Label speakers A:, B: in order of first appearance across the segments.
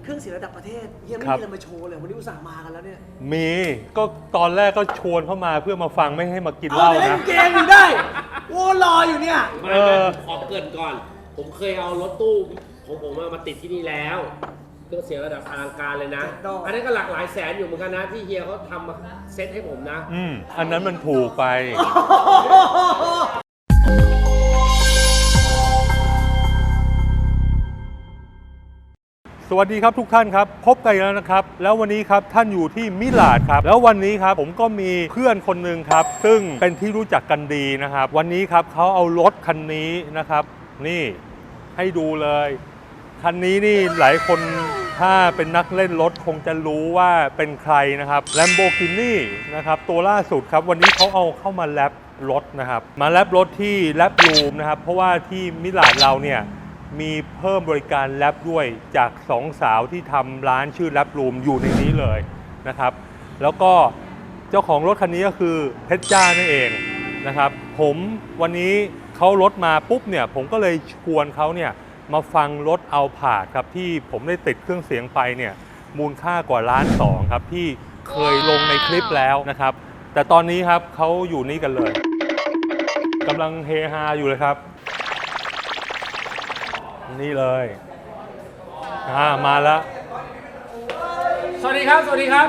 A: รื่องเสียงระดับประเทศยังไม่มีอะไรมาโชว์เลยวันนี้อุตส่าห์มากันแล้วเนี่ย
B: มีก็ตอนแรกก็ชวนเข้ามาเพื่อมาฟังไม่ให้มากินเหล้านะเล่น
A: เกมอยู่ได้โอ้รออยู่เนี่ย
C: ไม่ขอเกริ่นก่อนผมเคยเอารถตู้ของผมมาติดที่นี่แล้วเครื่องเสียงระดับอลังการเลยนะอันนั้นก็หลักหลายแสนอยู่เหมือนกันนะที่เฮียเขาทำมาเซ็ตให้ผมนะ
B: อันนั้นมันถูกไปสวัสดีครับทุกท่านครับพบกันแล้วนะครับแล้ววันนี้ครับท่านอยู่ที่มิลานครับแล้ววันนี้ครับผมก็มีเพื่อนคนหนึ่งครับซึ่งเป็นที่รู้จักกันดีนะครับวันนี้ครับเขาเอารถคันนี้นะครับนี่ให้ดูเลยคันนี้นี่หลายคนถ้าเป็นนักเล่นรถคงจะรู้ว่าเป็นใครนะครับ Lamborghini นะครับตัวล่าสุดครับวันนี้เขาเอาเข้ามาแลปรถนะครับมาแลปรถที่แลปรูมนะครับเพราะว่าที่มิลานเราเนี่ยมีเพิ่มบริการแลปด้วยจาก2 สาวที่ทำร้านชื่อแลปรูมอยู่ในนี้เลยนะครับแล้วก็เจ้าของรถคันนี้ก็คือเพชรจ้านั่นเองนะครับผมวันนี้เขารถมาปุ๊บเนี่ยผมก็เลยชวนเขาเนี่ยมาฟังรถเอาผาดครับที่ผมได้ติดเครื่องเสียงไปเนี่ยมูลค่ากว่า1.2 ล้านครับที่เคยลงในคลิปแล้วนะครับแต่ตอนนี้ครับเขาอยู่นี่กันเลยกำลังเฮฮาอยู่เลยครับนี่เลยมาแล้ว
C: สวัสดีครับสวัสดีครับ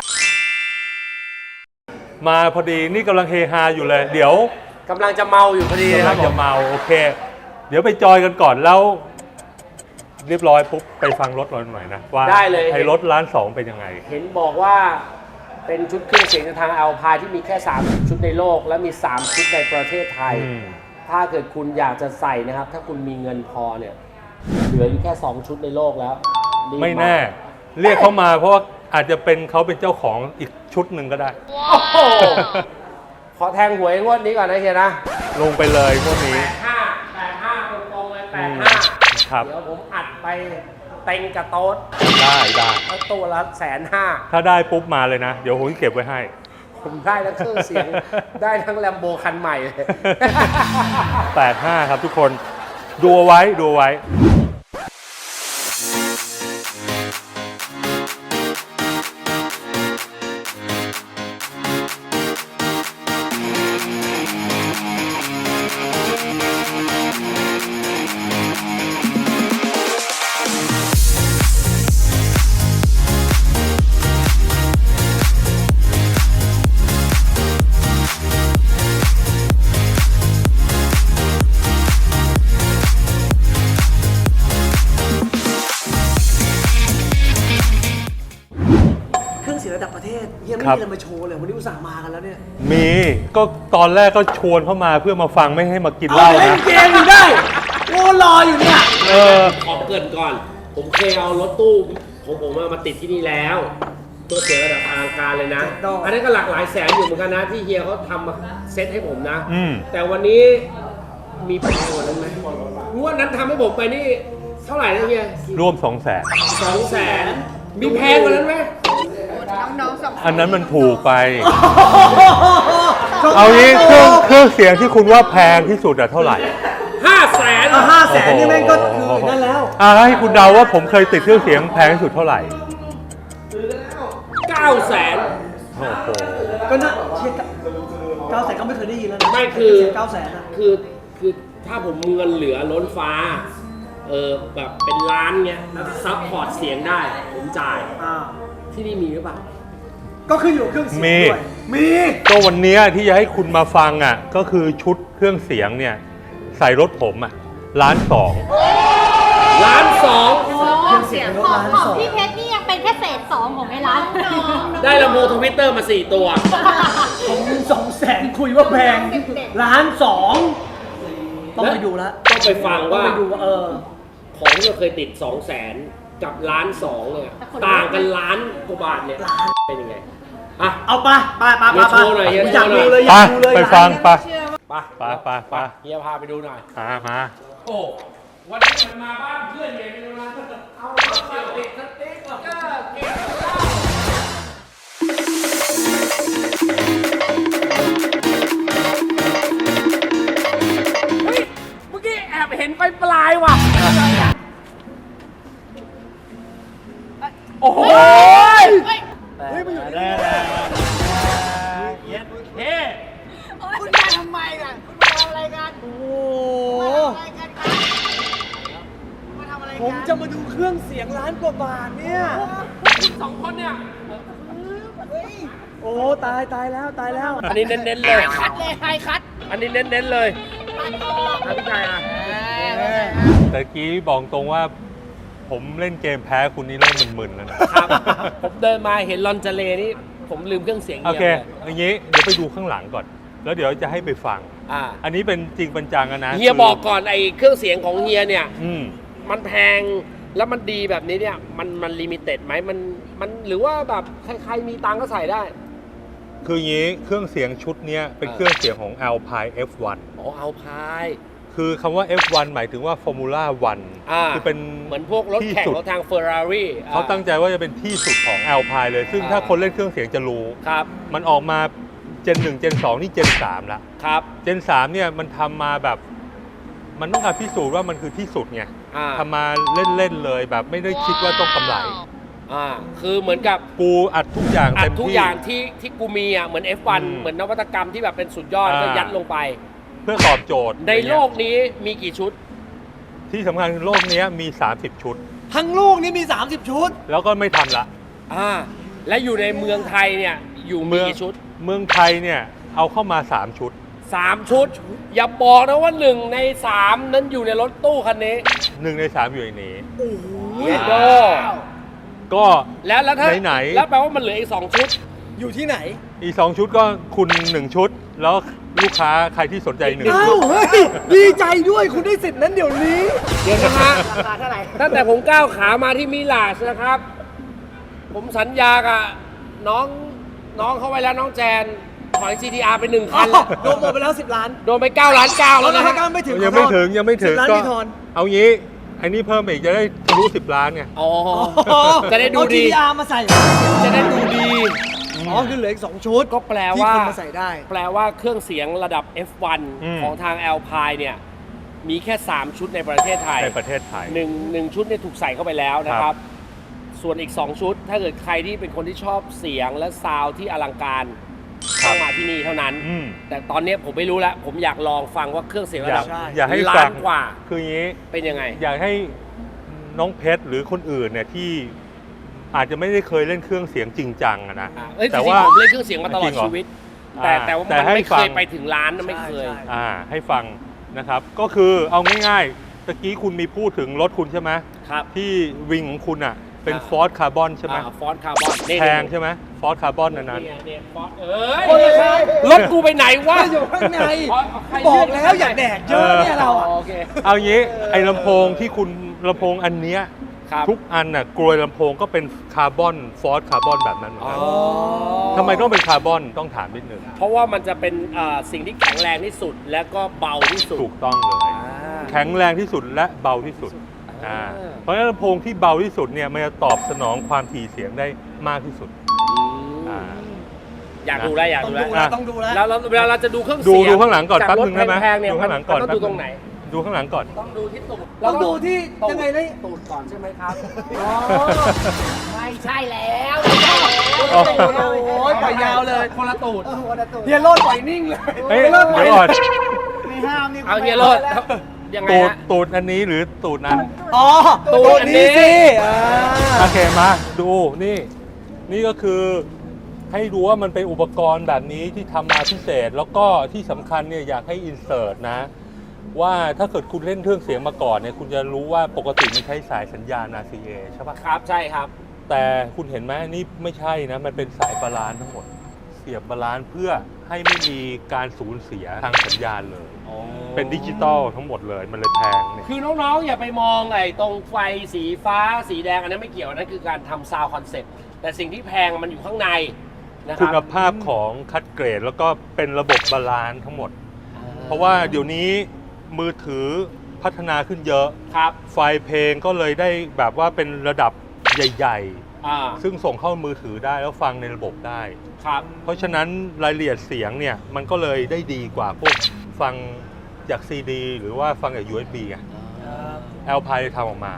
B: มาพอดีนี่กำลังเฮฮาอยู่เลยเดี๋ยว
C: กำลังจะเมาอยู่พอดี
B: ครับจะเมาโอเคเดี๋ยวไปจอยกันก่อนแล้วเรียบร้อยปุ๊บไปฟังรถเราหน่อยนะว่า
C: ได้เลย
B: ไอ้รถ1.2 ล้านเป็นยังไง
C: เห็นบอกว่าเป็นชุดเครื่องเสียงทางอัลพายที่มีแค่3ชุดในโลกและมี3ชุดในประเทศไทยถ้าเกิดคุณอยากจะใส่นะครับถ้าคุณมีเงินพอเนี่ยเหลืออยู่แค่2ชุดในโลกแล้ว
B: ไม่แน่เรียกเขามาเพราะว่าอาจจะเป็นเขาเป็นเจ้าของอีกชุดหนึ่งก็ได้
C: ขอแทงหวยงวดนี้ก่อนนะเฮียนะ
B: ลงไปเลยงวดนี้
C: 85ตรงๆเลย85
B: ครับ
C: เดี๋ยวผมอัดไปเต็งกระโต๊ด
B: ได้
C: ตัวละ150,000
B: ถ้าได้ปุ๊บมาเลยนะเดี๋ยวผมเก็บไว้ให้
C: ผมได้ทั้งเครื่องเสียงได้ทั้งแลมโบคันใหม่เลย
B: 85ครับทุกคนดูไว้
A: ระดับประเทศยังไม่มีอะไรมาโชว์เลยวันนี้อุตส่าห์มากันแล้วเนี่ย
B: มีก็ตอนแรกก็ชวนเข้ามาเพื่อมาฟังไม่ให้มากินเหล้านะ
A: เล่นเกมอยู่ได้โอ้รออยู่เนี่ย
C: ขอเกริ่นก่อนผมเคยเอารถตู้ของผมมาติดที่นี่แล้วตัวเสียระดับอลังการเลยนะอันนั้นก็หลักหลายแสนอยู่เหมือนกันนะที่เฮียเขาทำมาเซ็ตให้ผมนะแต่วันนี้มีแพงกว่านั้นไหมงวดนั้นทำให้ผมไปนี่เท่าไหร่นะเฮีย
B: ร่วม200,000
C: มีแพงกว่านั้นไหม
B: อันนั้นมันถูกไปเอางี้เครื่องเสียงที่คุณว่าแพงที่สุดอะเท่าไหร่
A: 500,000นี่แม่งก็คือนั่นแล้ว
B: ให้คุณเดาว่าผมเคยติดเครื่องเสียงแพงที่สุดเท่าไหร่
C: 900,000
B: โอ้โห
A: ก็น่าเชียร์900,000ก็ไม่เคยได้ยินแล้วนะ
C: ไม่คือ
A: 900,000นะ
C: คือถ้าผมเงินเหลือล้นฟ้าแบบเป็นล้านเงี้ยแล้วซัพพอร์ตเสียงได้ผมจ่ายที่นี่มีหรือเปล่า
A: ก็คืออยู่เครื่องเสียงด้วยมี
B: ก็วันนี้ที่จะให้คุณมาฟังอ่ะก็คือชุดเครื่องเสียงเนี่ยใส่รถผมอ่ะ1.2 ล้าน
D: เครื่องเสียงของพี่เพชรนี่ยังเป็นแค่เศษ2ของไอ้ร้าน
C: ได้ลำโพงทวิตเตอร์มา4 ตัว
A: ผม200,000คุยว่าแพง1.2 ล้านต้องไปดูแล้ว
C: ต้องไปฟังว่า
A: ไปดู
C: ของที่เราเคยติด200,000กับ1.2 ล้านเนี่ยต่างกัน1 ล้านกว่าบาทเนี่ยเป็นยังไง
A: เอาไป
C: โชว์หน่อย
A: อยากดูเลย
B: ไปฟังไป
C: เฮียพาไปดูหน่อย
B: มา
C: โอ้วันนี้มันมาบ้านเพื่อนเฮียไปดูนะเอารถมาติดสติ๊กเกอร์เก่งเฮ้ยเมื่อกี้แอบเห็นไฟปลายว่ะโอ้โห
A: เฮ้ยมันอยู่นี่
C: เย็ดเฮ้
D: คุณมาทำไมล่ะคุณมาทำอะไรกัน
A: โอ้โห
D: มาทำอะไรกันครับมาทำอะไรกัน
A: ผมจะมาดูเครื่องเสียงล้านกว่าบาทเนี่ย
C: สองคนเนี่ย
A: โอ้ตายแล้วตายแล้ว
C: อันนี้เน้นๆเลย
D: คัดเลยใครคัด
C: อันนี้เน้นๆเลย
D: ตัดออก
C: ครับพี่ชายอ่ะ
B: แต่กี้บอกตรงว่าผมเล่นเกมแพ้คุณนี่เริ่มมึนๆแล้วนะครับ
C: ผมเดินมาเห็นลอนเจเลนี่ผมลืมเครื่องเสียง
B: โอ
C: เฮีย
B: เค
C: เลย
B: อย่างนี้เดี๋ยวไปดูข้างหลังก่อน แล้วเดี๋ยวจะให้ไปฟัง
C: อ่า
B: อันนี้เป็นจริงเป็นจังอะนะ
C: เฮียบอกก่อนไอ้เครื่องเสียงของเฮียเนี่ย
B: อืม
C: มันแพงแล้วมันดีแบบนี้เนี่ยมันลิมิเต็ดไหมมันหรือว่าแบบใครๆมีตังก็ใส่ได้
B: คืออย่างนี้เครื่องเสียงชุดเนี้ยเป็นเครื่องเสียงของ Alpine F1
C: อ๋อเอาพาย
B: คือคำว่า F1 หมายถึงว่า Formula 1 คือเป็น
C: เหมือนพวกรถแข่ง
B: ที่สุด
C: รถทางเฟอร์รารี่
B: เขาตั้งใจว่าจะเป็นที่สุดของ Alpine เลย ซึ่งถ้าคนเล่นเครื่องเสียงจะรู้
C: ครับ
B: มันออกมาเจน 1 เจน 2 นี่เจน 3 ละ
C: ครับ
B: เจน 3 เนี่ยมันทำมาแบบ มันต้องการพิสูจน์ว่ามันคือที่สุดไง
C: อ่า
B: ทำมาเล่น ๆ เลยแบบไม่ได้คิดว่าต้องกำไร
C: คือเหมือนกับ
B: กูอัดทุกอย่าง
C: อัด
B: เต็ม
C: ทุก
B: ที่
C: อย่างที่กูมีอ่ะเหมือน F1
B: อืม
C: เหมือนนวัตกรรมที่แบบเป็นสุดยอด
B: อ่า
C: ก็ยัดลงไป
B: เพื่อตอบโจทย์
C: ในโลกนี้มีกี่ชุด
B: ที่สำคัญคือโลกเนี้ยมี 30 ชุด
A: ทั้งโลกนี้มี 30 ชุด
B: แล้วก็ไม่ทำละ
C: และอยู่ในเมืองไทยเนี่ยอยู่มีกี่ชุด
B: เมืองไทยเนี่ยเอาเข้ามา 3 ชุด
C: 3 ชุด อย่าบอกนะว่า1 ใน 3 นั้นอยู่ในรถตู้คันนี้
B: 1 ใน 3 อยู่ในนี้
C: เยโด
B: ก็
C: แล้วถ้า
B: ไหนๆ
C: แล้วแปลว่ามันเหลืออีก 2 ชุด
A: อยู่ที่ไหน
B: อีก 2 ชุดก็คุณ 1 ชุด แล้วลูกค้าใครที่สนใจ1
A: อ้า
B: ชุ
A: ว
B: ด
A: เฮ้ย ดีใจด้วยคุณได้สิทธิ์นั้นเดี๋ยวนี้
C: เดี๋ยวนะฮะ
D: ราคาเท่าไหร่
C: ตั้งแต่ผมก้าวขามาที่มิลาชนะครับ ผมสัญญากับน้องเขาไว้แล้วน้องแจนถอย GTR ไป1 คันแล้ว
A: โดนหมดไปแล้ว 10 ล้าน
C: โดนไป9 ล้าน 9
A: แล้
C: แล้ว ว
A: นะ
C: นะ
A: ฮะ
C: ฮะ
A: ไม่ถึง
B: ยังไม่ถึงยังไม่ถึง
A: 10 ล้าน
B: ก็
A: มีทอน
B: เอางี้ไอ้นี่เพิ่มอีกจะได้ทะลุ10 ล้านไง
C: อ๋อ จะได้ดู
A: เอา
C: ดี
A: GTR มาใส่
C: จะได้ดูดี
A: อ๋อคือเหลืออีก 2 ชุด
C: ก็แปล
A: ที่
C: ว่า
A: คนมาใส่ได้
C: แปลว่าเครื่องเสียงระดับ F1
B: อืม
C: ของทาง Alpine เนี่ย มีแค่ 3 ชุดในประเทศไทย
B: ในประเทศไทย
C: หนึ่งชุดเนี่ยถูกใส่เข้าไปแล้วนะครับ ส่วนอีก 2 ชุด ถ้าเกิดใครที่เป็นคนที่ชอบเสียงและซาวด์ที่อลังการ
B: ครับ
C: ต้องมาที่นี่เท่านั้น
B: อืม
C: แต่ตอนนี้ผมไม่รู้แล้ว ผมอยากลองฟังว่าเครื่องเสียงระดับ
A: ใช่
B: อยากให้
C: ล้า
B: ฟั
C: น
B: ง
C: กว่า
B: คืออย่างนี้
C: เป็นยังไง
B: อยากให้น้องเพชรหรือคนอื่นเนี่ยที่อาจจะไม่ได้เคยเล่นเครื่องเสียงจริงจังอะนะ
C: เอ้ยจ
B: แต่
C: ริง
B: ว่า
C: ๆผมเล่นเครื่องเสียงมาตลอ
B: จริ
C: ด
B: งเหรอ
C: ชีวิต
B: อ่า
C: แต่ว่า
B: แต่
C: มัน
B: ให้
C: ไม่
B: ฟั
C: เค
B: ง
C: ยไปถึงล้านนะไม่เคย
A: ใช่
B: ให้ฟังนะครับ ก็คือเอาง่ายๆตะกี้คุณมีพูดถึงรถคุณใช่ไหม
C: ครับ
B: ที่วิงของคุณอ่ะเป็น
C: อ่า
B: ฟอร์ดคาร์บอนใช่ไหม
C: ฟอนต์คาร์บอน
B: แพงใช่ไหมฟอร์ดคาร์บอนนั้น
C: เนี่ยฟอนต์เอ้ย
A: คนละครับ
C: รถกูไปไหนวะ
A: อยู่ข้างใน
C: ใคร
A: บอกแล้วอย่าแดกเยอะเนี่ยเราอะ
C: โอเค
B: เอางี้ไอ้ลำโพงที่คุณลำโพงอันเนี้ย
C: ครับ
B: ทุกอันน่ะกลวยลำโพงก็เป็นคาร์บอนฟอร์ดคาร์บอนแบบนั้นเหมือนกันทำไมต้องเป็นคาร์บอนต้องถามนิดนึง
C: เพราะว่ามันจะเป็นสิ่งที่แข็งแรงที่สุดและก็เบาที่สุด
B: ถูกต้องเลย แข็งแรงที่สุดและเบาที่สุด เพราะฉะนั้นลำโพงที่เบาที่สุดเนี่ยมันจะตอบสนองความถี่เสียงได้มากที่สุด อ่า
C: อยากดูแล้วอยาก
A: ต้อง
C: ดู
A: ดู
C: แล้ว
A: แล้วต้องดูแล้ว
C: แล้วเวลาเราจะดูเครื่อง
B: ดู
C: เสียง
B: ดูข้างหลังก่อน
C: จาก
B: แป๊บ
C: รถ
B: นึงได้ไหม
C: แพงๆเนี่ย
B: ดูข้างหลังก่อน
C: มันต้องดูตรงไหน
B: ดูข้างหลังก่อน
C: ต้องดูที่ตูด
A: ต้องดูที่ยังไงนะ
C: ตูดก่อนใช่ไหมครับ
D: ไม่ใช่แล้ว
B: อ๋อ
A: โอ้ยปล่อยยาวเลย
C: คนละตูด
A: เฮียโรดปล่อยนิ่งเลย
B: เฮ้ย
A: เลิกปล่อย
B: เดี๋ยวก่อน
A: ไม่ห้ามนี่
C: เอาเฮียโรดยังไง
B: ตูด
C: ฮะ
B: ตูดอันนี้หรือตูดนั้น
A: อ๋อ
C: ตูดอันนี้
A: สิ
B: โอเคมาดูนี่ นี่ก็คือให้รู้ว่ามันเป็นอุปกรณ์แบบนี้ที่ทำมาพิเศษ แล้วก็ที่สำคัญเนี่ยอยากให้อินเสิร์ตนะ ว่าถ้าเกิดคุณเล่นเครื่องเสียงมาก่อนเนี่ยคุณจะรู้ว่าปกติมันใช้สายสัญญาณ RCA ใช่ปะ
C: ครับใช่ครับ
B: แต่คุณเห็นไหมนี่ไม่ใช่นะ มันเป็นสายบาลานซ์ทั้งหมด เสียบบาลานซ์เพื่อให้ไม่มีการสูญเสียทางสัญญาณเลย เป็นดิจิตอลทั้งหมดเลยมันเลยแพงเนี่ย
C: คือน้องๆ อย่าไปมองไอ้ตรงไฟสีฟ้าสีแดงอันนั้นไม่เกี่ยวอันนั้นคือการทำซาวด์คอนเซ็ปต์แต่สิ่งที่แพงมันอยู่ข้างในนะค
B: คุ
C: รับ
B: ณภาพของคัดเกรดแล้วก็เป็นระบบบาลานซ์ทั้งหมด เพราะว่าเดี๋ยวนี้มือถือพัฒนาขึ้นเยอะ
C: ครับ
B: ไฟล์เพลงก็เลยได้แบบว่าเป็นระดับใหญ่
C: อ่า
B: ๆ ซึ่งส่งเข้ามือถือได้แล้วฟังในระบบได้
C: ครับ
B: เพราะฉะนั้นรายละเอียดเสียงเนี่ยมันก็เลยได้ดีกว่าพวกฟังจากซีดีหรือว่าฟังจาก USB ไง Alpine ทำออกมา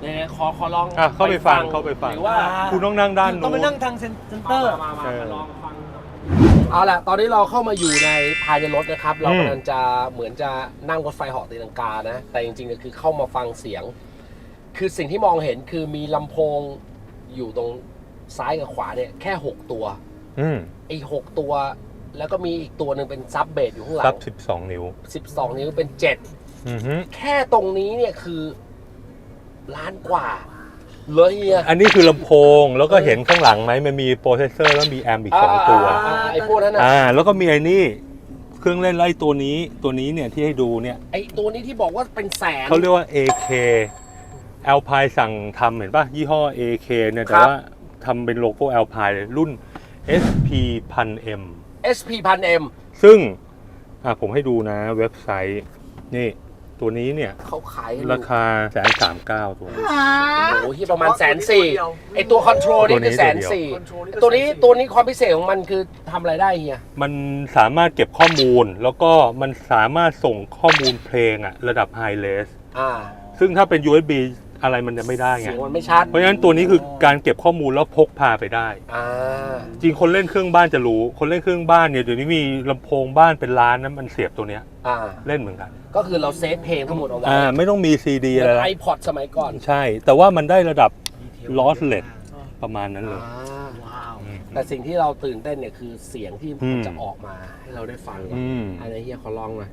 C: เนี่ยขอลอง
B: เข้าไปฟังเข้าไปฟัง
C: หรือว่า
B: คุณต้องนั่งด้าน
A: ต้อง
B: นู้
A: ไป
B: น
A: นั่งทางเซ็นเตอร์
C: มาลองฟังเอาล่ะตอนนี้เราเข้ามาอยู่ในภายในรถนะครับเรากำลังจะเหมือนจะนั่งรถไฟเหาะตีลังกานะแต่จริงๆก็คือเข้ามาฟังเสียง คือสิ่งที่มองเห็นคือมีลำโพงอยู่ตรงซ้ายกับขวาเนี่ยแค่6ตัวไอ้6ตัวแล้วก็มีอีกตัวหนึ่งเป็นซับเบสอยู่ข้างหลั
B: ซั
C: ง
B: บ12 นิ้ว
C: 12 นิ้วเป็น7แค่ตรงนี้เนี่ยคือล้านกว่าเลยเฮีย
B: อันนี้คือลำโพงแล้วก็เห็นข้างหลังไหมมันมีโปรเซสเซอร์แล้วมีแอมป์อีก2ตัว
C: ไอ้พวกนั้นนะ
B: แล้วก็มีไอ้นี่เครื่องเล่นไล่ตัวนี้เนี่ยที่ให้ดูเนี่ย
C: ไอ้ตัวนี้ที่บอกว่าเป็นแสน
B: เขาเรียกว่า AK Alpine สั่งทำเห็นป่ะยี่ห้อ AK เนี่ยแต่ว่าทำเป็นโลโก้ Alpine เลยรุ่น SP 1000M
C: SP 1000M
B: ซึ่งผมให้ดูนะเว็บไซต์นี่ตัวนี้เนี่ย
C: เขาขายกัน
B: ราคา139,000ตัว
C: โอ้โหที่ประมาณ140,000ไอตัวคอนโทรลนี่คือ140,000ตัวนี้ความพิเศษของมันคือทำอะไรได้เฮีย
B: มันสามารถเก็บข้อมูลแล้วก็มันสามารถส่งข้อมูลเพลงระดับ High Res ซึ่งถ้าเป็น USB อะไรมันจะไม่ได้ไง
C: เสียงมันไม่ชัด
B: เพราะฉะนั้นตัวนี้คือการเก็บข้อมูลแล้วพกพาไปได้จริงคนเล่นเครื่องบ้านจะรู้คนเล่นเครื่องบ้านเนี่ยเดี๋ยวนี้มีลำโพงบ้านเป็นล้านนั้นมันเสียบตัวเนี้ยเล่นเหมือนกัน
C: ก็คือเราเซฟเพลงทั้งหมดเอาไว้
B: ไม่ต้องมีซีดีอะไรแล้ว
C: iPod สมัยก่อน
B: ใช่แต่ว่ามันได้ระดับ lossless ประมาณนั้นเลย
C: แต่สิ่งที่เราตื่นเต้นเนี่ยคือเสียงที่มันจะออกมาให้เราได้ฟังอันนี้เฮียขอลองหน่อย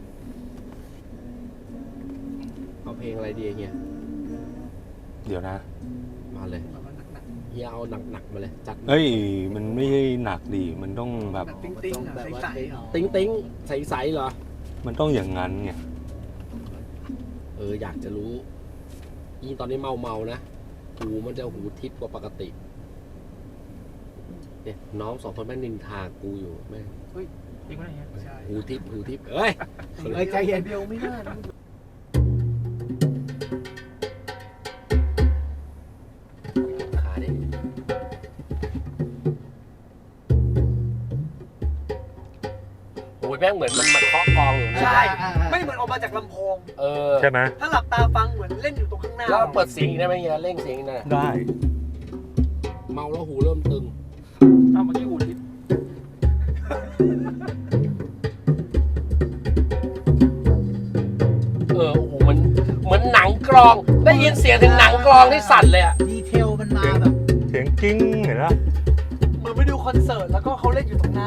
C: เอาเพลงอะไรดีเฮีย
B: เดี๋ยวนะ
C: มาเลยเฮียเอาหนักๆมาเลยจัด
B: มันไม่ใช่หนักดีมันต้องแบบ
A: ติ๊งติ๊งใสๆ
C: ติ๊งใสๆเหรอ
B: มันต้องอย่างนั้นไง
C: อยากจะรู้ยิ่งตอนนี้เมานะหูมันจะหูทิพย์กว่าปกติเนี่ยน้อง2 คนแม่งนินทากูอยู่แม่หูทิพย์เอ้ย
A: ใจเย็นเดียวไม่น่า
C: แม่งเหมือนมันมาเคาะกองอยู่
A: ใช่ไม่เหมือนออกมาจากลำโพง
B: ใช่ไหม
A: ถ้าหลับตาฟังเหมือนเล่นอยู่ตรงข้างหน้า
C: แล้วเปิดเสียงได้ไหมเฮียเร่งเสียงได้เมาแล้วหูเริ่มตึงเมื่อกี้หูทิพย์โอ้โหมันเหมือนหนังกลองได้ยินเสียงถึงหนังกลองที่สั่นเลย
A: ดีเทลมันมาแบบ
B: เสียงกิ้งเห็นไหม
A: เหมือนไปดูคอนเสิร์ตแล้วก็เขาเล่นอยู่ตรงหน้า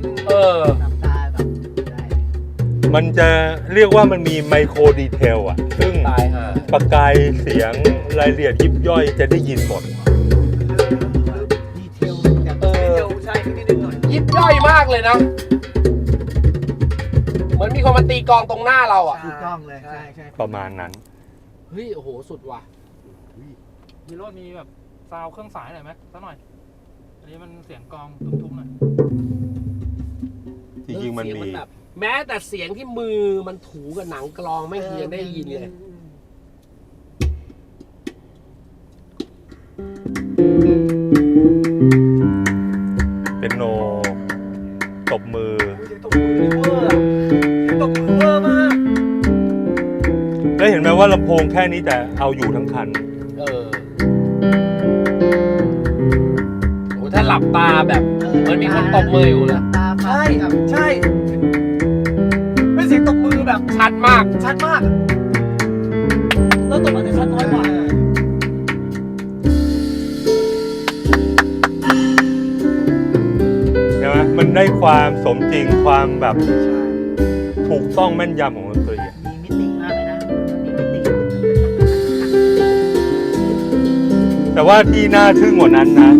B: มันจะเรียกว่ามันมีไมโครดีเทลซึ่งประกายเสียงรายละเอียดยิบย่อยจะได้ยินหมด
A: ดีเทลใช่นิดหน่อย
C: ยิบย่อยมากเลยนะเหมือนมีคนมาตีกลองตรงหน้าเรา
A: ถูกต้องเลยใช่
B: ประมาณนั้น
C: เฮ้ยโอ้โหสุดว่ะ
E: มีรถมีแบบซาวเครื่องสายหน่อยไหมสักหน่อยอันนี้มันเสียงกลองทุ้มๆหน่อย
B: จริงๆมันมี
C: แม้แต่เสียงที่มือมันถูกับหนังกลองไม่เคยได้ยินเลย
B: เป็นโนตบมือ
A: ตบมือเวอร์มาก
B: ได้เห็นไหมว่าลำโพงแค่นี้แต่เอาอยู่ทั้งคัน
C: ถ้าหลับตาแบบเหมือนมีคนตบมืออยู่เลย
A: ใช่เป็นเสียงตบมือแบบ
C: ชัดมาก
A: แล้วตบอาจจะชัดน้อยกว่า
B: ใช่ไหมมันได้ความสมจริงความแบบถูกต้องแม่นยำของดนตรี
A: มีมิติมากเลยนะมีมิติ
B: แต่ว่าที่น่าทึ่งกว่านั้นนะ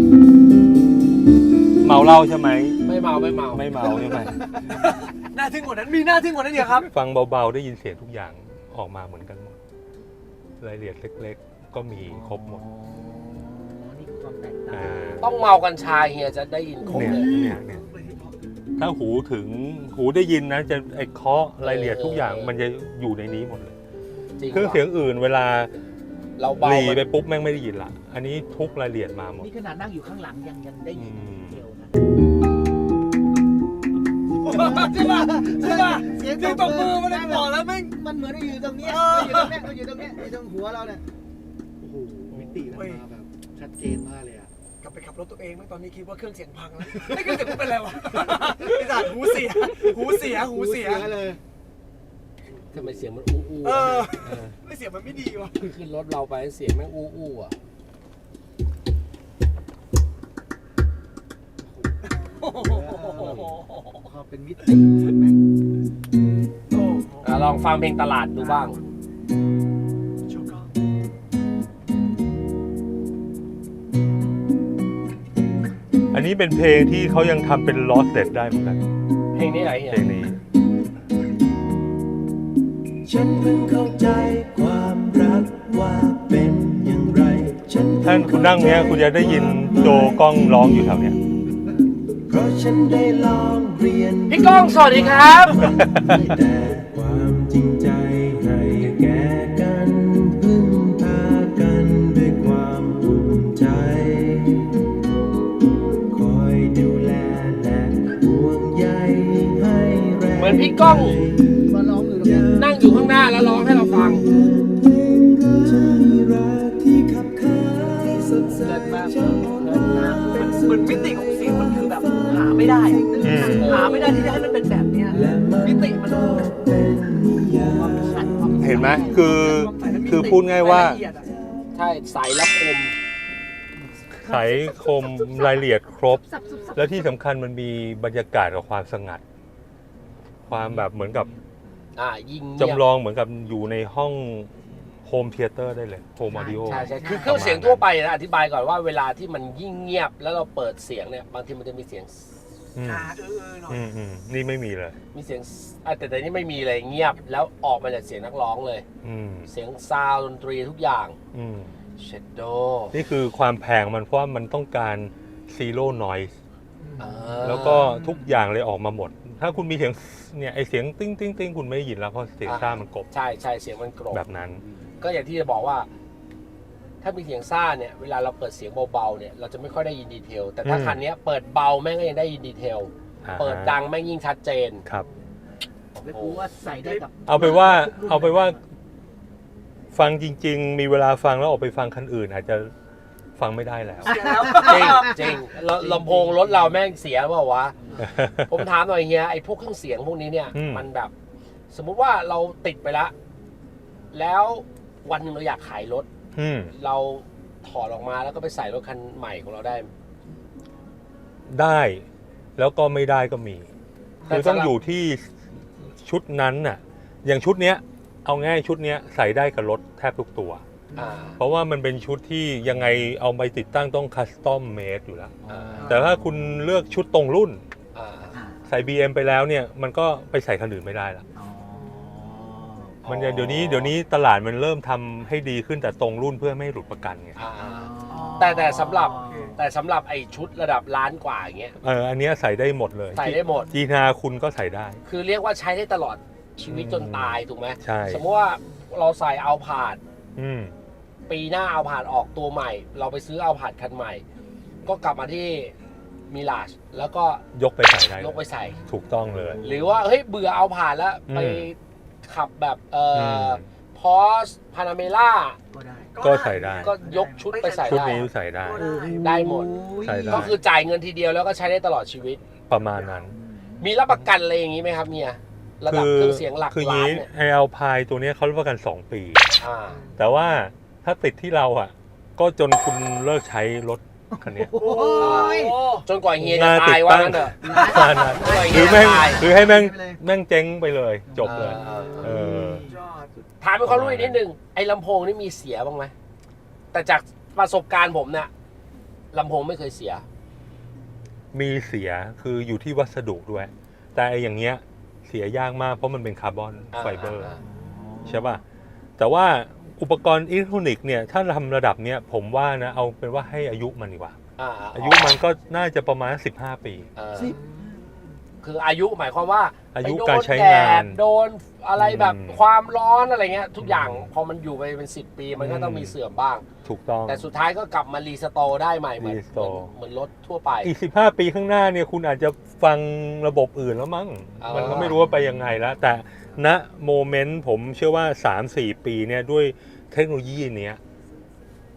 B: เมาเหล้าใช่ไหม
C: ไม่เมาใช่ไหม
A: น่าทึ่งกว่านั้นมีน่าทึ่งกว่านั้นเดียวครับ
B: ฟังเบาๆได้ยินเสียงทุกอย่างออกมาเหมือนกันหมดรายละเอียดเล็กๆก็มีครบหมด
A: นี่คือความแตกต่าง
C: ต้องเมากัญชาเฮียจะได้ยินครบเลย
B: ถ้าหูได้ยินนะจะไอ้เคาะรายละเอียดทุกอย่างมันจะอยู่ในนี้หมดเลยเครื่องเสียงอื่นเวลา
C: เราเบา
B: ไปปุ๊บแม่งไม่ได้ยินละอันนี้ทุกรายละเอียดมาหมด
A: นี่ขนาดนั่งอยู่ข้างหลังยังได้ยินเดียวนะใช่ป่ะเสียงตบมือมันได้บอกแล้วแม่งมันเหมือนอยู่ตรงนี้อยู่ตรงนี้อยู่ตรงหัวเราเนี่ยโอ้โห
F: ติมันมาแบบชัดเจนมากเลยอ่ะ
A: กลับไปขับรถตัวเองไหมตอนนี้คิดว่าเครื่องเสียงพังแล้วไม่เครื่องเสียงกูเป็นไรวะไอ้สัตว์หูเสีย
F: เลย
C: ทำไมเสียงมันอู้อู้
A: ไม่เสียงมันไม่ดีวะ
C: ขึ้นรถเราไปเสียงแม่งอู้อู้อ่ะ
F: พอเป็นมิติแม่ง
C: ลองฟังเพลงตลาดดูบ้าง
B: อันนี้เป็นเพลงที่เขายังทำเป็นลอสเด็ดได้เหมือนกัน
C: เพลงนี้อะไรเนี่ย
B: เพลงนี้
G: ฉันเพิ่งเข้าใจความรักว่าเป็นอย่างไร
B: ท่านคุณนั่งเนี้ยคุณจะได้ยินโจกล้องร้องอยู่แถวเนี้ย
G: เพราะฉันได้ลองเรียน
C: พี่ก้องสวัสดีครับ
G: แต่ความจริงใจให้แก่กันพึ่งพากันด้วยความอุ่นใจคอยดูแลและห่วงใยให้แรง
C: เหมือนพี่ก้องนั่งอยู่ข้างหน้าแล้วร้องให้เราฟัง
A: เหมือนมิติของเสียงมันคือแบบหาไม่ได้ที่จะให้มันเป็นแบบเนี้ยมิติมันความชัดความ
B: เห็นไหมคือพูดง่ายว่า
C: ใช่ใสและคม
B: ไขคมรายละเอียดครบ แล้วที่สำคัญมันมีบรรยากาศกับความสงัด ความแบบเหมือนกับ
C: ยิ่ง
B: จำลองเหมือนกับอยู่ในห้องโฮมเธียเตอร์ได้เลยโฮมออดิโอ
C: ใช่คือเครื่องเสียงทั่วไปนะอธิบายก่อนว่าเวลาที่มันยิ่งเงียบแล้วเราเปิดเสียงเนี่ยบางทีมันจะมีเสียง
A: หน่อย
B: นี่ไม่มีเลย
C: มีเสียงแต่นี่ไม่มีเลยเงียบแล้วออกมาจากเสียงนักร้องเลย เสียงซาวด์ดนตรีทุกอย่างเชดโด
B: นี่คือความแพงมันเพราะว่ามันต้องการ zero noise แล้วก็ทุกอย่างเลยออกมาหมด ถ้าคุณมีเสียงเนี่ยไอเสียงติ้งติ้งติ้งคุณไม่ได้ยินแล้วเพราะเสียงซ่ามันกลบ
C: ใช่เสียงมันกรบ
B: แบบนั้น
C: ก็อย่างที่จะบอกว่า ถ้ามีเสียงซ่าเนี่ยเวลาเราเปิดเสียงเบาๆเนี่ยเราจะไม่ค่อยได้ยินดีเทลแต่ถ้าคันนี้เปิดเบาแม่งก็ยังได้ยินดีเทลเปิดดังแม่งยิ่งชัดเจน
B: ครับ
A: แล้วกูว่าใส่ได้กับ
B: เอาไปว่าฟังจริง ๆ มีเวลาฟังแล้วออกไปฟังคันอื่น อาจจะฟังไม่ได้แล้ว
C: จริงลำโพงรถเราแม่งเสียเปล่าวะ ผมถามหน่อยเฮียไอ้พวกเครื่องเสียงพวกนี้เนี่ย มันแบบ สมมุติว่าเราติดไปแล้ววันหนึ่งเราอยากขายรถเราถอดออกมาแล้วก็ไปใส่รถคันใหม่ของเราได้
B: ได้แล้วก็ไม่ได้ก็มีคือต้องอยู่ที่ชุดนั้นน่ะอย่างชุดเนี้ยเอาง่ายชุดเนี้ยใส่ได้กับรถแทบทุกตัวเพราะว่ามันเป็นชุดที่ยังไงเอาไปติดตั้งต้องคัสตอมเมดอยู่แล้วแต่ถ้าคุณเลือกชุดตรงรุ่นใส่ BM ไปแล้วเนี่ยมันก็ไปใส่คันอื่นไม่ได้ละมันเดี๋ยวนี้ตลาดมันเริ่มทำให้ดีขึ้นแต่ตรงรุ่นเพื่อไม่ให้หลุดประกันไง
C: แต่สำหรับไอ้ชุดระดับล้านกว่าอย่างเงี้ย
B: อันเนี้ยใส่ได้หมดเลย
C: ใส่ได้หมด
B: จีนาคุณก็ใส่ได้
C: คือเรียกว่าใช้ได้ตลอดชีวิตจนตายถูกไหม
B: ใช่
C: สมมติว่าเราใส่เอาผาดปีหน้าเอาผาดออกตัวใหม่เราไปซื้อเอาผาดคันใหม่ก็กลับมาที่มิลาชแล้วก็
B: ยกไปใส่ได้
C: ยกไปใส่
B: ถูกต้องเลย
C: หรือว่าเฮ้ยเบื่อเอาผาดแล้วไปขับแบบพอสพานาเมล่า
B: ก็ใส่ได้
C: ก็ยกชุดไปใส่ได้
B: ชุดนี้ใส่ได้
C: ได้หมดก็คือจ่ายเงินทีเดียวแล้วก็ใช้ได้ตลอดชีวิต
B: ประมาณนั้น
C: มีรับประกันอะไรอย่างนี้ไหมครับเมียระดับเครื่องเสียงหลักล้านเนี่ย
B: ไอเอาพายตัวนี้เขารับประกัน2 ปีแต่ว่าถ้าติดที่เราอ่ะก็จนคุณเลิกใช้รถคันนี้
C: จนกว่าเฮียจะตายว่างั้นเถอะ
B: หรือให้แม่งเจ๊งไปเลยจบเลย
C: ถามเป็นความรู้อีกนิดนึงไอ้ลำโพงนี่มีเสียบ้างไหมแต่จากประสบการณ์ผมเนี่ยลำโพงไม่เคยเสีย
B: มีเสียคืออยู่ที่วัสดุด้วยแต่อย่างเงี้ยเสียยากมากเพราะมันเป็นคาร์บอนไฟเบอร์ใช่ป่ะแต่ว่าอุปกรณ์อิเล็กทรอนิกส์เนี่ยถ้าทำระดับเนี้ยผมว่านะเอาเป็นว่าให้อายุมันดีกว่าอายุมันก็น่าจะประมาณ15 ปี
C: คืออายุหมายความว่า
B: อายุการใช้งาน
C: โดนอะไรแบบความร้อนอะไรเงี้ยทุกอย่างพอมันอยู่ไปเป็น10 ปีมันก็ต้องมีเสื่อมบ้าง
B: ถูกต้อง
C: แต่สุดท้ายก็กลับมารีสโตร์ได้ใหม่เหมือนรถทั่วไป
B: อีก15 ปีข้างหน้าเนี่ยคุณอาจจะฟังระบบอื่นแล้วมั้งมันก็ไม่รู้ว่าไปยังไงแล้วแต่ณโมเมนต์ผมเชื่อว่า 3-4 ปีเนี่ยด้วยเทคโนโลยีเนี้ย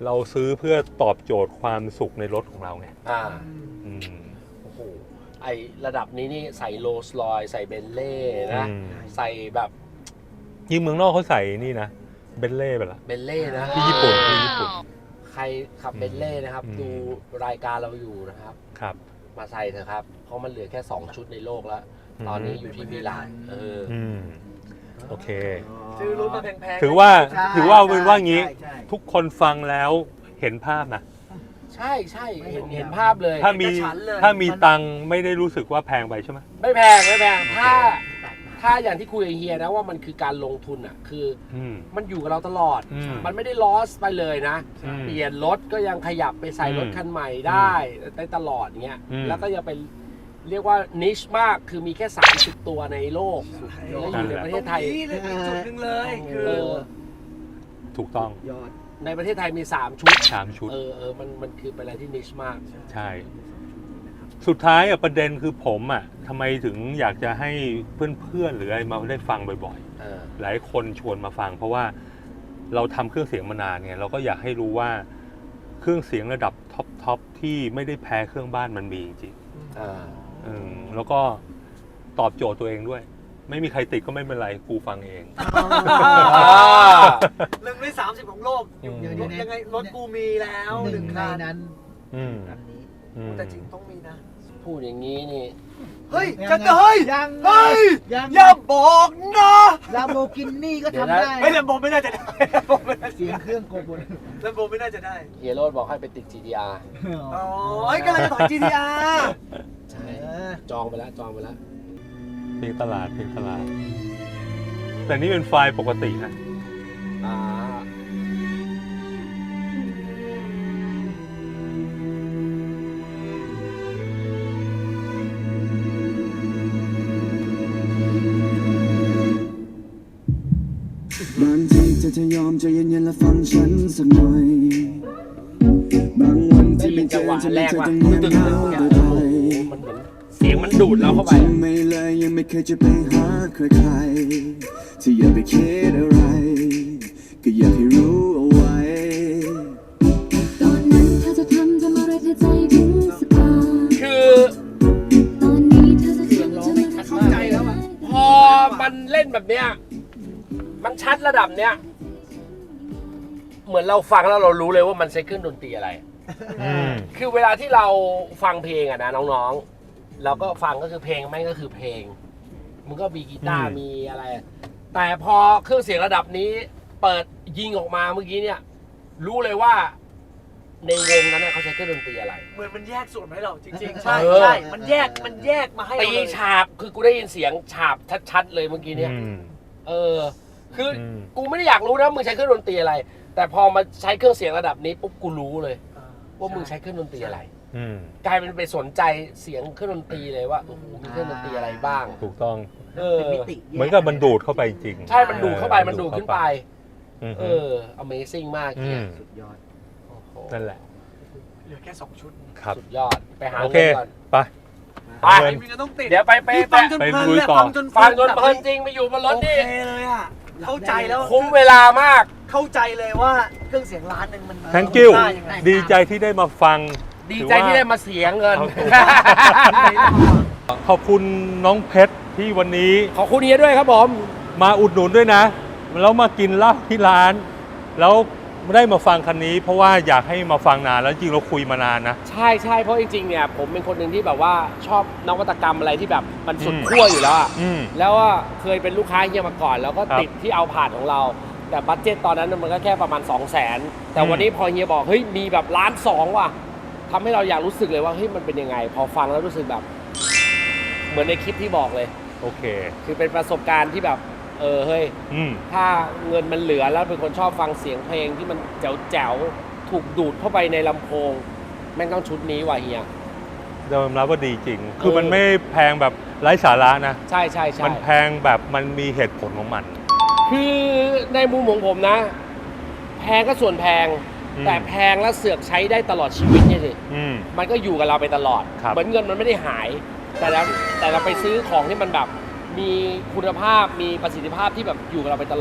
B: เราซื้อเพื่อตอบโจทย์ความสุขในรถของเราไง อืม
C: โอ้โหไอระดับนี้นี่ใส่โรลส์รอยซ์ใส่เบนเล่นะ
B: อืม
C: ใส่แบบ
B: ยิ่งเมืองนอกเขาใส่นี่นะเบนเล่ไปละ
C: เบนเล่นะ
B: ที่ญี่ปุ่นที่ญี่ปุ่น
C: ใครขับเบนเล่นะครับ
B: อืม
C: ดูรายการเราอยู่นะครับ
B: ครับ
C: มาใส่เถอะครับ เพราะมันเหลือแค่ 2 ชุดในโลกแล้ว
B: อืม
C: ตอนนี้อยู่ที่มิลาน
B: อืมโอเค
A: ซื้อรถมาแพงๆ
B: ถือว่า
F: ใช่
B: ถือว่าเป็นว่างี้
F: ใช่ใช่
B: ทุกคนฟังแล้วเห็นภาพนะ
C: ใช่ใช่เห็นภาพเลย
B: ถ้ามีตังค์ไม่ได้รู้สึกว่าแพงไปใช่ไหม
C: ไม่แพงไม่แพงถ้าอย่างที่คุยกับเฮียนะว่ามันคือการลงทุนอ่ะคือ
B: อืม
C: มันอยู่กับเราตลอด
B: อืม
C: มันไม่ได้ลอสไปเลยนะ
B: อืม
C: เปลี่ยนรถก็ยังขยับไปใส่รถคันใหม่ได้ตลอดเงี้ย
B: อืม
C: แล้วก็ยังเป็นเรียกว่านิชมากคือมีแค่30ตัวในโลกแล้วอยู่ในประเทศไทย
A: นี่เลยอีกจุดหนึ่งเลยคือ
B: ถูกต้อง
F: ยอด
C: ในประเทศไทยมี3ชุด
B: 3 ชุด
C: มันคือเป็นอะไรที่นิชมาก
B: ใช่ สุดท้ายประเด็นคือผมทำไมถึงอยากจะให้เพื่อนๆหรืออะไรมาได้ฟังบ่อยๆ หลายคนชวนมาฟัง เพราะว่าเราทำเครื่องเสียงมานานไงเราก็อยากให้รู้ว่าเครื่องเสียงระดับท็อปที่ไม่ได้แพ้เครื่องบ้านมันมีจริงๆแล้วก็ตอบโจทย์ตัวเองด้วย ไม่มีใครติดก็ไม่เป็นไรกูฟังเอง
A: 1 ใน 30 ของโลกอยู่
B: อืม
A: ยังไงรถกูมีแล้ว
F: หนึ่ง
A: 1
F: ใน
A: คัน
F: นั้น
B: อืม
F: อันนี้
A: แต่จริงต้องมีนะ
C: พูดอย่างนี้นี่
A: เฮ้ย
F: ยัง
A: จะ
F: ไง
A: เฮ้ย
F: ยังไง
A: เฮ้ย
F: ยัง
A: อย่าบอกนะ
F: ลาโบกินี่ก็ทำได้
A: เฮ้ยแลมโบไม่น่าจะได้แลมโบไม่น่า
F: เสียงเครื่องโกบน
A: แลมโบไม่น่าจะได้
C: เฮียโรดบอกให้ไปติด GTR
A: อ๋อเฮ้ยกำลังจะถอย GTR
C: ใช่จองไปแล้ว
B: เพลงตลาด แต่นี่เป็นไฟล์ปกตินะ
C: อ่า
G: บางทีเธอจะยอมใจเย็นๆและฟังฉันสักหน่อย บางวันที่ไม่เจอจะไม่เธอต้องเงียบเหงาโดยไทย
C: มันเหมือนเสียงมันดูดเราเข้าไป
G: จริงไม่เลยยังไม่เคยจะไปหาใครๆที่อย่าไปคิดอะไร ก็อยากให้รู้เอาไว้
H: ตอนนั้นเธอจะทำอะไรเธอใจถึงสักตา
C: คือ
H: ตอนนี้เธอจะทำอะไร
A: เข้าใจแล้วอะ
C: พอมันเล่นแบบเนี้ยมันชัดระดับเนี้ยเหมือนเราฟังแล้วเรารู้เลยว่ามันใช้เครื่องดนตรีอะไร คือเวลาที่เราฟังเพลงอะนะน้องๆเราก็ฟังก็คือเพลงไม่งก็คือเพลงมันก็มีกีตาร์มีอะไร แต่พอเครื่องเสียงระดับนี้เปิดยิงออกมาเมื่อกี้เนี่ยรู้เลยว่าในวงนั้นเขาใช้เครื่องดนตรีอะไร
A: เหมือนมันแยกส่วนมาให้เราจริงๆ ใช่
C: เออ
A: ใช่มันแยกมาให้เรา
C: ตี
A: เลย
C: ฉาบคือกูได้ยินเสียงฉาบชัดๆเลยเมื่อกี้เนี่ยคือกูไม่ได้อยากรู้นะมึงใช้เครื่องดนตรีอะไร แต่พอมาใช้เครื่องเสียงระดับนี้ปุ๊บกูรู้เลยว่ามึงใช้เครื่องดนตรีอะไรกลายเป็นไปสนใจเสียงเครื่องดนตรีเลยว่ามีเครื่องดนตรีอะไรบ้าง
B: ถูกต้อง
F: เป็นมิติ
B: เหมือนกับมันดูดเข้าไปจริง
C: ใช่มันดูดเข้าไปมันดูดขึ้นไปAmazing มากเนี่ย
F: สุดยอด
B: นั่นแหละ
A: เหลือแค่ 2 ชุด
B: ครับ
C: สุดยอดไปหา
B: โอเค
C: เงินก่อน
B: ไป
C: ไป
A: มีก็ต้องติด
C: เดี๋ยวไป
A: นี่ฟังจน
B: ไป
A: เพลิน
B: ลุย
A: เลย
B: ต่อ
A: ฟังจน
C: ฟังจนเพลินจริงไปอยู่บนรถ
A: โอ
C: นี่
A: เคเลยอ่ะเข้าใจแล้ว
C: คุ้มเวลามาก
A: เข้าใจเลยว่าเครื่องเสียงล้านหนึ่งมัน
B: thank you
A: ได้ยังไง
B: ดีใจที่ได้มาฟัง
C: ดีใจที่ได้มาเสียเงิน
B: ขอบคุณน้องเพชรที่วันนี้
C: ขอบคุณเฮียด้วยครับผม
B: มาอุดหนุนด้วยนะ แล้วมากินเหล้าที่ร้าน แล้วได้มาฟังคันนี้ เพราะว่าอยากให้มาฟังนานแล้วจริงเราคุยมานานนะ
C: ใช่เพราะจริงๆเนี่ยผมเป็นคนหนึ่งที่แบบว่าชอบนวัตกรรมอะไรที่แบบมันสุดขั้วอยู่แล้วอะ แล้วว่าเคยเป็นลูกค้าเฮียมาก่อน แล้วก็ติดที่เอาผ่านของเรา แต่บัดเจ็ตตอนนั้นมันก็แค่ประมาณ 200,000 แต่วันนี้พอเฮียบอกเฮ้ยมีแบบ1,200,000ว่ะทำให้เราอยากรู้สึกเลยว่าเฮ้ยมันเป็นยังไง พอฟังแล้วรู้สึกแบบเหมือนในคลิปที่บอกเลย
B: โอเค
C: คือเป็นประสบการณ์ที่แบบเฮ้ยถ้าเงินมันเหลือแล้วเป็นคนชอบฟังเสียงเพลงที่มันแจ๋วๆถูกดูดเข้าไปในลำโพงแม่งต้องชุดนี้ว่ะเฮีย
B: ยอมรับว่าดีจริง คือมันไม่แพงแบบไร้สาระนะ
C: ใช่
B: มันแพงแบบมันมีเหตุผลของมัน
C: คือในมุมของผมนะ แพงก็ส่วนแพง แต่แพงแล้วเสือกใช้ได้ตลอดชีวิตเนี่ยสิมันก็อยู่กับเราไปตลอด เหมือนเงินมันไม่ได้หาย แต่เราไปซื้อของที่มันแบบมีคุณภาพมีประสิทธิภาพที่แบบอยู่กับเราไปตลอด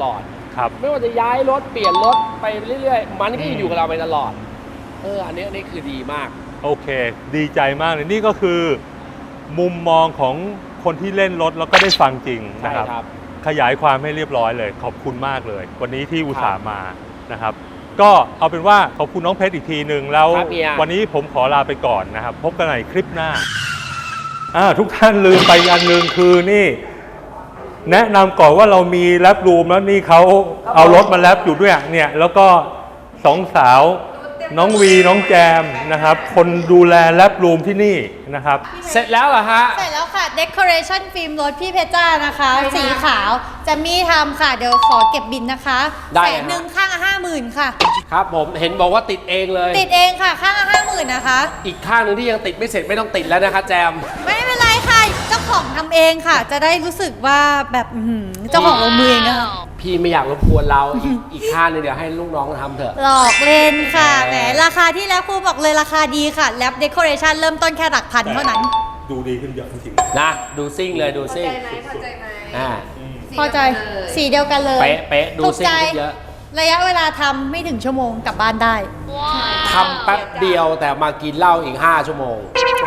B: ครับ
C: ไม่ว่าจะย้ายรถเปลี่ยนรถไปเรื่อยๆ มันก็อยู่กับเราไปตลอดอันนี้คือดีมาก
B: โอเค ดีใจมากเลยนี่ก็คือมุมมองของคนที่เล่นรถแล้วก็ได้ฟังจริงนะครับ
C: ใช่ครับ
B: ขยายความให้เรียบร้อยเลย ขอบคุณมากเลย วันนี้ที่อุตส่าห์มานะครับ ก็เอาเป็นว่าขอบคุณน้องเพชรอีกทีหนึ่งแล้ว
C: ครับเฮีย
B: วันนี้ผมขอลาไปก่อนนะครับ พบกันในคลิปหน้าทุกท่านลืมไปอันหนึ่งคือนี่ แนะนำก่อนว่าเรามีแรปรูมแล้วนี่เขาเอารถมาแรปอยู่ด้วยเนี่ยแล้วก็สองสาวน้องวีน้องแจมนะครับ คนดูแลแรปรูมที่นี่นะครับ
C: เสร็จแล้วเหรอฮะ
D: เสร็จแล้วค่ะ decoration ฟิล์มรถพี่เพชรจ้านะคะ สีขาวจะมีทำค่ะ เดี๋ยวขอเก็บบินนะคะ
C: ได้
D: 100,000ข้างละ50,000ค่ะ
C: ครับผมเห็นบอกว่าติดเองเลย
D: ติดเองค่ะข้างละ50,000นะคะ
C: อีกข้างหนึ่งที่ยังติดไม่เสร็จไม่ต้องติดแล้วนะคะแจม
D: ไม่เป็นไรค่ะ เจ้าของทำเองค่ะ จะได้รู้สึกว่าแบบเจ้าของลงมือเองนะคะ
C: พี่ไม่อยากรบกวนเราอีกข้างหนึงเดี๋ยวให้ลูกน้องทำเถอะ
D: หลอกเล่นค่ะแหมราคาที่แล้วครูบอกเลยราคาดีค่ะแลปเดคอเรชันเริ่มต้นแค่หลักพันเท่านั้น
B: ดูดีขึ้นเยอะจริง
C: นะดูซิ่งเลยดูซิ่ง
D: พอใจไหม
C: อ่า
D: พอใจสีเดียวกันเลย
C: เป๊ะดู
D: ถูก
C: ซิ่ง
D: ใจ
C: ขึ้นเยอะ
D: ระยะเวลาทำไม่ถึงชั่วโมงกลับบ้านได้
C: ทำแป๊บเดียวแต่มากินเหล้าอีก5 ชั่วโมง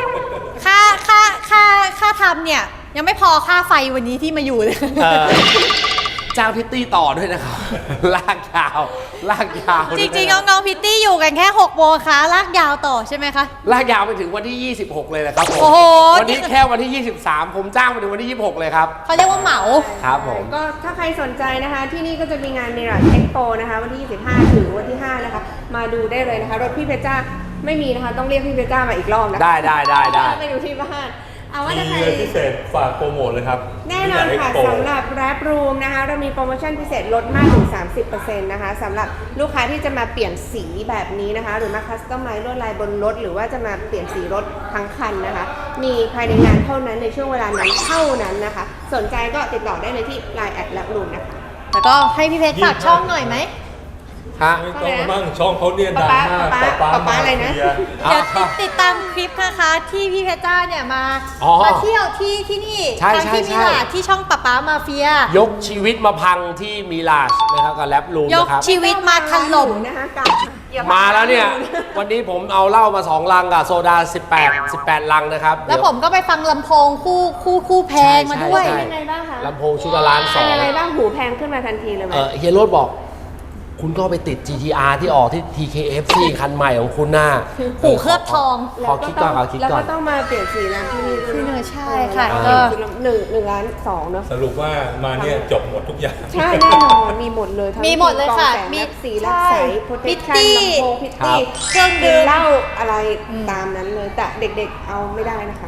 D: ค่าทำเนี่ย ยังไม่พอค่าไฟวันนี้ที่มาอยู่เลย
C: จ้างพิตตี้ต่อด้วยนะครับ ลากยาว
D: จริงๆน้องๆพิตตี้อยู่กันแค่6 โมงค่ะลากยาวต่อใช่ไหมคะ
C: ลากยาวไปถึงวันที่ 26 เลยนะครับผม
D: โอ้โห
C: วันนี้แค่วันที่ 23 ผมจ้างไปถึงวันที่ 26 เลยครับ
D: เขาเรียกว่าเหมา
C: ครับผม
I: ก็ถ้าใครสนใจนะคะ ที่นี่ก็จะมีงาน Mirage Expo นะคะวันที่ 25 ถึงวันที่ 5 นะคะ มาดูได้เลยนะคะ รถพี่เพชรจ้าไม่มีนะคะ ต้องเรียกพี่เพชรจ้ามาอีกรอบนะคะ
C: ได้
I: ไปดูที่บ้านเอาว่า
B: ๆ
I: ถ้า
B: มี
I: ใคร
B: เลยพิเศษฝากโปรโมทเลยครับ
I: แน่นอนค่ะ
B: Expo
I: สำหรับ Rap Room นะคะ เรามีโปรโมชั่นพิเศษลดมากถึง 30% นะคะสำหรับลูกค้าที่จะมาเปลี่ยนสีแบบนี้นะคะ หรือมาคัสตอมไมซ์ลวดลายบนรถ หรือว่าจะมาเปลี่ยนสีรถทั้งคันนะคะ มีภายในงานเท่านั้นในช่วงเวลานั้นเท่านั้นนะคะ สนใจก็ติดต่อได้เลยที่ Line Rap Room นะคะ
D: แล้วก็ให้พี่เพชรฝากช่องหน่อยไหม
C: ฮะ
B: ไม่ต้องมั่งช่องเขาเนี่ยดังมาก
I: ป๊าอะไรนะ
B: เฟีย
D: เดี๋ยวติดตามคลิปนะคะที่พี่เพชรจ้าเนี่ยมา
C: อ๋อ
D: มาเที่ยวที่นี่
C: ใช่
D: ทั้งที่
C: ใช่
D: มิลานที่ช่องป๊าป๊ามาเฟีย
C: ยกชีวิตมาพังที่มีลาชนะครับกับแรปรูม
D: ยก
C: นะครับ
D: ชีวิตมาถล่ม
I: นะคะกับอย่
C: มาแล้วเนี่ย วันนี้ผมเอาเหล้ามา2 ลังกับโซดา18 ลังนะครับ
D: แล้วผมก็ไปฟังลำโพงคู่แพงมาด้วย
C: ใช่
I: เป็นไงบ้างคะ
C: ลำโพงชุดละล้านส
I: เป็
C: อน ง
I: ยังไงบ้างหูแพงขึ้นมาทันทีเลยไหม
C: เฮียโรดบอก คุณก็ไปติด GTR ที่ออกที่ TKFC คันใหม่ของคุณหน้า
D: หูเคลือบทอง
C: ขอคิดก่อนขอคิด
I: แล้ว
C: ก่อ
I: ก็
C: น
I: ต้องมาเปลี่ยนสีแล้วที่นี่
D: ที่นี่ใช่ค่ะ
C: ก็
I: หนึ่งล้านสองเนอะ
B: สรุปว่ามาเนี่ยจบหมดทุกอย่าง
I: ใช่แน่นอนมีหมดเลยทั้ง
D: มีหมดเลยค่ะ
I: มี
D: มี
I: สีแลบใสโปรเทคชั่น
D: พิตตี้
I: ลำโพงพิตตี้
D: เครื่องดื่ม
I: เหล้าอะไรตามนั้นเลย แต่เด็กๆเอาไม่ได้นะคะ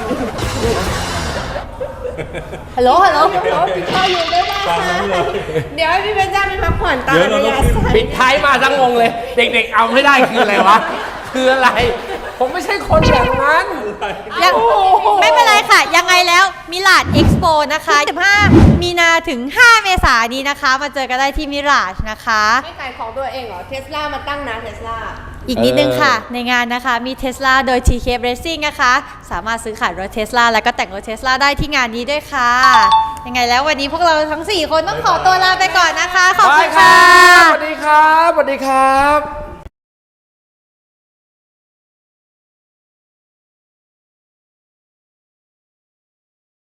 D: ฮัลโหล
I: พออยู่ได้บ้าง
B: ตาม
I: ค่ะ
B: นั้นเลย
I: เดี๋ยวให้พี่เป็นจ้าไปพักผ่อนตาม
B: เดี๋ยวเรา
I: ระ
B: ต้อง
I: ยะ
B: ขึ้น
I: สั้น
C: ปิดท้ายมาทั้งงงเลย เด็กๆเอาไม่ได้คืออะไรวะ คืออะไร ผมไม่ใช่คนอย่างนั้น
D: ยังไม่เป็นไรค่ะ ยังไงแล้วมิลานเอ็กซ์โปนะคะ15 มีนาถึง 5 เมษายนนี้นะคะ มาเจอกันได้ที่มิลานนะคะ
I: ไม่ขายของตัวเองเหรอ เทสลามาตั้งนะเทสลา
D: อีกนิดนึงค่ะ ในงานนะคะมี Tesla โดย TK Racing นะคะ สามารถซื้อขายรถ Tesla แล้วก็แต่งรถ Tesla ได้ที่งานนี้ด้วยค่ะ ยังไงแล้ววันนี้พวกเราทั้ง 4 คนต้องขอตัวลาไปก่อนนะคะ ขอบคุณค่ะ
C: สวัสดีครับ สวัสดีครับ